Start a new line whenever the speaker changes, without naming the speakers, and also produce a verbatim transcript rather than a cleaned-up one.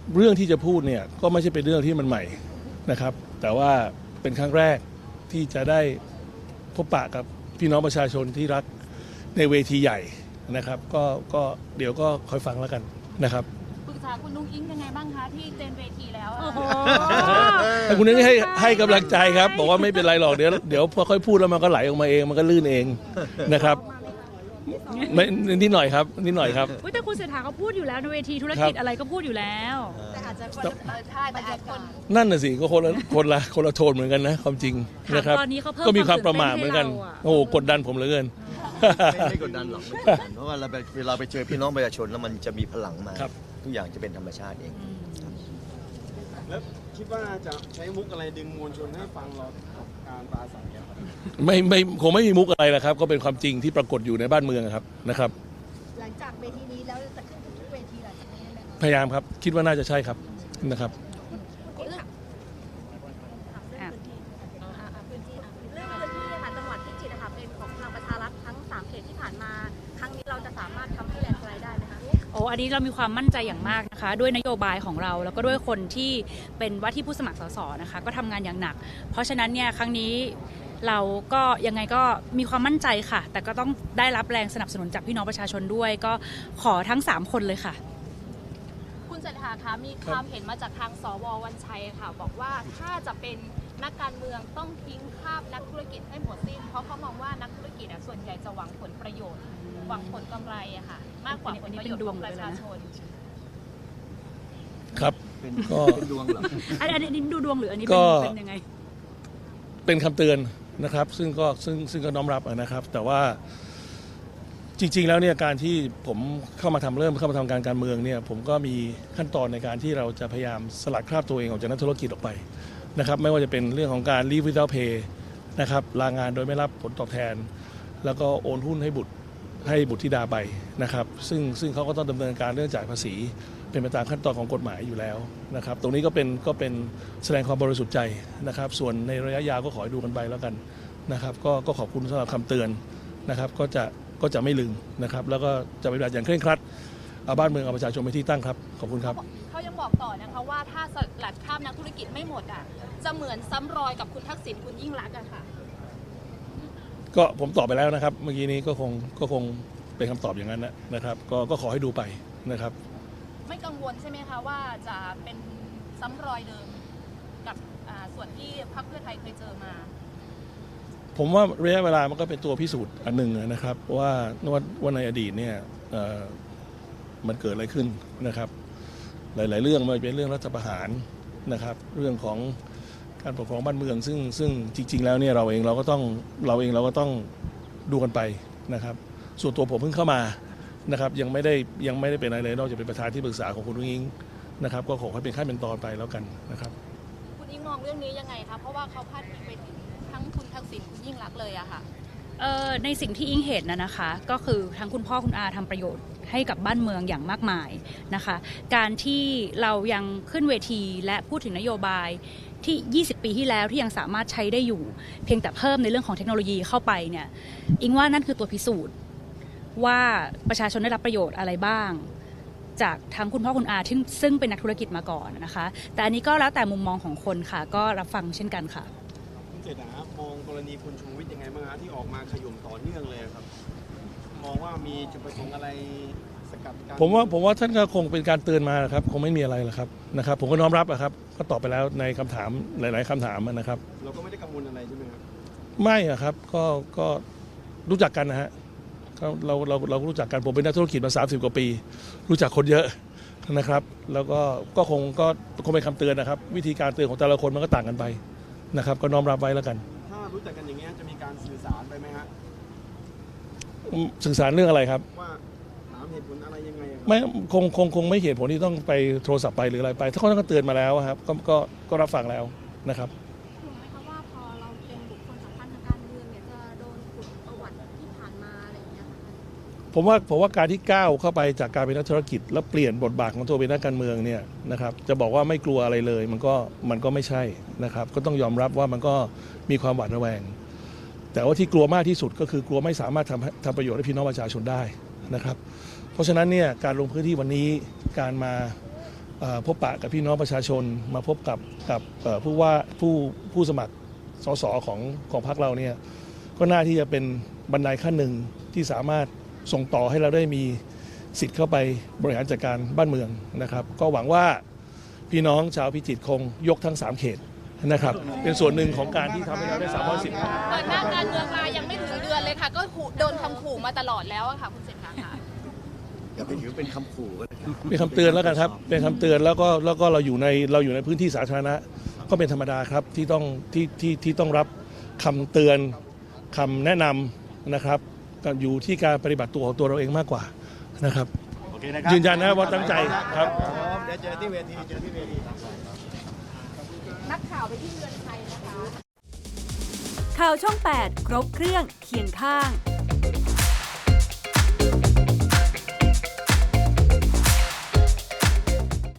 เรื่องที่จะพูดเนี่ยก็ไม่ใช่เป็นเรื่องที่มันใหม่นะครับแต่ว่าเป็นครั้งแรกที่จะได้พบปะกับพี่น้องประชาชนที่รักในเวทีใหญ่นะครับก็ก็เดี๋ยวก็คอยฟังแล้วกันนะครับ
ปรึกษาคุณนุ้งอิงยังไงบ้างคะที่เจนเวทีแล้วโอ้โห
คุณนุ้งให้ให้กำลังใจครับบอกว่าไม่เป็นไรหรอกเดี๋ยวเดี๋ยวพอค่อยพูดแล้วมันก็ไหลออกมาเองมันก็ลื่นเองนะครับไม่นิดหน่อยครับนิดหน่อยครับ
แต่คุณเศรษฐาเขาพูดอยู่แล้วในเวทีธุรกิจอะไรก็พูดอยู่แล้วแต่อาจจะคนใช่แต่อาจคน
นั่นน่ะสิก็คนละคนละคนละโทนเหมือนกันนะความจริงนะครับก็มีความประมาทเหมือนกันโอ้กดดันผมเหลือเกิน
ไม่ไม่กดดันหรอกไม่กดดันเพราะว่าเราเวลาไปเจอพี่น้องประชาชนแล้วมันจะมีพลังมาทุกอย่างจะเป็นธรรมชาติเอง
แล้วคิดว่าจะใช้มุกอะไรดึงมวลชนให้ฟังเราการปราศัยครับ
ไม่ไม่คงไม่มีมุกอะไรแหละครับก็เป็นความจริงที่ปรากฏอยู่ในบ้านเมืองครับนะครับ
หลังจากเวทีนี้แล้วจะขึ้นทุกเวทีหลังจากนี้ไหม
พยายามครับคิดว่าน่าจะใช่ครับนะครับ
พื้นที่เรื่องพื้นที่ค่ะจังหวัดพิจิตรนะคะเป็นของพลังประชารัฐทั้งสามเขตที่ผ่านมาครั้งนี้เราจะสามารถทำให้แลนด์สไลด์ได้ไหมคะ
โอ้อันนี้เรามีความมั่นใจอย่างมากนะคะด้วยนโยบายของเราแล้วก็ด้วยคนที่เป็นว่าที่ผู้สมัครสสนะคะก็ทำงานอย่างหนักเพราะฉะนั้นเนี่ยครั้งนี้เราก็ยังไงก็มีความมั่นใจค่ะแต่ก็ต้องได้รับแรงสนับสนุนจากพี่น้องประชาชนด้วยก็ขอทั้งสามคนเลยค่ะ
คุณเศรษฐาคะมีความเห็นมาจากทางสววันชัยค่ะบอกว่าถ้าจะเป็นนักการเมืองต้องทิ้งคาบนักธุรกิจให้หมดสิ้นเพราะเขามองว่านักธุรกิจส่วนใหญ่จะหวังผลประโยชน์หวังผลกำไรอะค่ะมากกว่าผลประโยชน์ของประชาชน
ครับก็
เป็นดวงเหรอ
อันนี้ดูดวงหรืออันนี้เป็นยังไง
เป็นคำเตือนนะครับซึ่งก็ซึ่งซึ่งก็น้อมรับนะครับแต่ว่าจริงๆแล้วเนี่ยการที่ผมเข้ามาทำเริ่มเข้ามาทำการการเมืองเนี่ยผมก็มีขั้นตอนในการที่เราจะพยายามสลัดคราบตัวเองออกจากนักธุรกิจออกไปนะครับไม่ว่าจะเป็นเรื่องของการ leave without pay นะครับลางานโดยไม่รับผลตอบแทนแล้วก็โอนหุ้นให้บุตรให้บุตรธิดาไปนะครับซึ่งซึ่งเขาก็ต้องดำเนินการเรื่องจ่ายภาษีเป็นไปตามขั้นตอนของกฎหมายอยู่แล้วนะครับตรงนี้ก็เป็นก็เป็นแสดงความบริสุทธิ์ใจนะครับส่วนในระยะยาวก็ขอให้ดูกันไปแล้วกันนะครับก็ก็ขอบคุณสำหรับคำเตือนนะครับก็จะก็จะไม่ลืมนะครับแล้วก็จะปฏิบัติอย่างเคร่งครัดเอาบ้านเมืองเอาประชาชนเป็นที่ตั้งครับขอบคุณครับ
เขายังบอกต่อนะคะว่าถ้าสลัดคราบนักธุรกิจไม่หมดอ่ะจะเหมือนซ้ำรอยกับคุณทักษิณคุณยิ่งรักษณ์อะค่ะ
ก็ผมตอบไปแล้วนะครับเมื่อกี้นี้ก็คงก็คงเป็นคำตอบอย่างนั้นนะครับก็ก็ขอให้ดูไปนะครับ
ไม่กังวลใช่ไหมคะว่าจะเป็นซ้ำรอยเดิมกับส่วนที่พรรคเพื่อไทยเคยเจอมา
ผมว่าระยะเวลามันก็เป็นตัวพิสูจน์อันหนึ่งนะครับว่าว่าในอดีตเนี่ยมันเกิดอะไรขึ้นนะครับหลายๆเรื่องมันเป็นเรื่องรัฐประหารนะครับเรื่องของการปกครองบ้านเมืองซึ่งซึ่งจริงๆแล้วเนี่ยเราเองเราก็ต้องเราเองเราก็ต้องดูกันไปนะครับส่วนตัวผมเพิ่งเข้ามานะครับยังไม่ได้ยังไม่ได้เป็นอะไรเลยนอกจากเป็นประธานที่ปรึกษาของคุณนุ้งอิงนะครับก็ขอให้เป็นขั้นเป็นตอนไปแล้วกันนะครับ
คุณอิงมองเรื่องนี้ยังไงคะเพราะว่าเขาพาดพิงไปถึงทั้งคุณทักษิณคุณยิ่งรักษณ์เลยอะค่ะ
ในสิ่งที่อิงเห็นนะนะคะก็คือทั้งคุณพ่อคุณอาทำประโยชน์ให้กับบ้านเมืองอย่างมากมายนะคะการที่เรายังขึ้นเวทีและพูดถึงนโยบายที่ยี่สิบปีที่แล้วที่ยังสามารถใช้ได้อยู่เพียงแต่เพิ่มในเรื่องของเทคโนโลยีเข้าไปเนี่ยอิงว่านั่นคือตัวพิสูจน์ว่าประชาชนได้รับประโยชน์อะไรบ้างจากทั้งคุณพ่อคุณอาที่ซึ่งเป็นนักธุรกิจมาก่อนนะคะแต่อันนี้ก็แล้วแต่มุมมองของคนค่ะก็รับฟังเช่นกันค่ะ
คุณเศรษฐามองกรณีคุณชูวิทย์ยังไงบ้างฮะที่ออกมาขย่มต่อเนื่องเลยครับมองว่ามีจุดประสงค์อะไรสกัดกั้น
ผมว่าผมว่าท่านก็คงเป็นการเตือนมาครับคงไม่มีอะไรหรอกครับนะครับผมก็น้อมรับอะครับก็ตอบไปแล้วในคำถามหลายๆคำถามนะครับ
เราก็ไม่ได้กังวลอะไรใช่ไหมครับ
ไม่อะครับก็ก็รู้จักกันนะฮะเราเราเรารู้จักกันผมเป็นนักธุรกิจมาสามสิบกว่าปีรู้จักคนเยอะนะครับแล้วก็ก็คงก็คงเป็นคำเตือนนะครับวิธีการเตือนของแต่ละคนมันก็ต่างกันไปนะครับก็น้อมรับไว้แล้วกัน
ถ้ารู้จักกันอย่างเงี้ยจะมีการสื่อสารไปไหมฮะ
สื่อสารเรื่องอะไรครับ
ว่าถามเหตุผลอะไรยังไง
ไม่คงคงคงไม่เหตุผลที่ต้องไปโทรศัพท์ไปหรืออะไรไปถ้าเขาต้องเตือนมาแล้วครับก็ก็ก็รับฟังแล้วนะครับ
ถูกไหมคะว่าพอเราเป็นบุคคลสำคัญทางการเมืองเนี่ยจะโดนขุดประวัติที่ผ่านมาอะไรอย่างเงี้ย
ผมว่าผมว่าการที่ก้าวเข้าไปจากการเป็นนักธุรกิจแล้วเปลี่ยนบทบาทของตัวเป็นนักการเมืองเนี่ยนะครับจะบอกว่าไม่กลัวอะไรเลยมันก็มันก็ไม่ใช่นะครับก็ต้องยอมรับว่ามันก็มีความหวาดระแวงแต่ว่าที่กลัวมากที่สุดก็คือกลัวไม่สามารถทำทำประโยชน์ให้พี่น้องประชาชนได้นะครับเพราะฉะนั้นเนี่ยการลงพื้นที่วันนี้การมาเอ่อพบปะกับพี่น้องประชาชนมาพบกับกับเอ่อผู้ว่าผู้ผู้สมัครสสของของพรรคเราเนี่ยก็น่าที่จะเป็นบันไดขั้นหนึ่งที่สามารถส่งต่อให้เราได้มีสิทธิ์เข้าไปบริหารจัดการบ้านเมืองนะครับก็หวังว่าพี่น้องชาวพิจิตรคงยกทั้งสามเขตนะครับเป็นส่วนหนึ่งของการที่ทำให้เราได้สามร้อยสิบ
เปิดหน้าการเมืองมายังไม่ถึงเดือนเลยค่ะ ก็ขู่โดนคำขู่มาตลอดแล้วอะค่ะคุณเศรษฐาค่ะ
อย่าไปถือเป็นคำขู่ก็ได้ครับ
เป็นคำเตือนแล้วกันครับเป็นคำเตือนแล้วก็แล้วก็เราอยู่ในเราอยู่ในพื้นที่สาธารณะก็เป็นธรรมดาครับที่ต้องที่ที่ที่ต้องรับคำเตือนคำแนะนำนะครับก็อยู่ที่การปฏิบัติตัวของตัวเราเองมากกว่านะครับ
โอเคนะครับ
ยืนยันนะว่าตั้งใจครับ
เดี๋ยวเจอที่เวทีเจอที่เวที
นักข่าวไปที่เรือนไทยนะคะ
ข่าวช่อง แปด ครบเครื่องเคียงข้าง